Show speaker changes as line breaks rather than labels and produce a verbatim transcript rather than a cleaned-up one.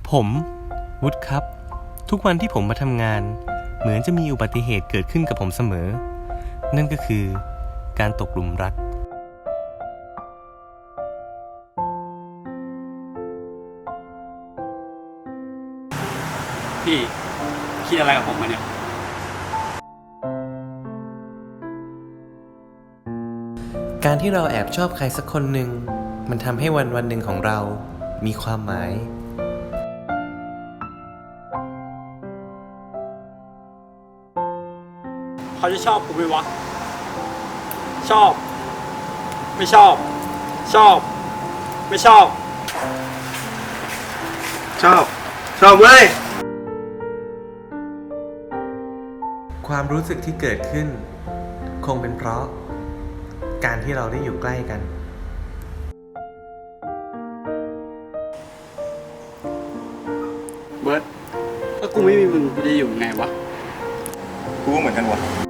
ผมวุฒิครับทุกวันที่ผมมาทำงานเหมือนจะมีอุบัติเหตุเกิดขึ้นกับผมเสมอนั่นก็คือการตกหลุมรัก
พี่คิดอะไรกับผมมาเนี่ย
การที่เราแอบชอบใครสักคนหนึ่งมันทำให้วันวันหนึ่งของเรามีความหมาย
เขาจะชอบกูไหมวะชอบไม่ชอบ ชอบไม่ชอบ
ชอบชอบเว้ย
ความรู้สึกที่เกิดขึ้นคงเป็นเพราะการที่เราได้อยู่ใกล้กัน
เบิร์ดถ้ากูไม่มีมึงกูจะอยู่ยังไงวะ
กูก็เหมือนกันวะ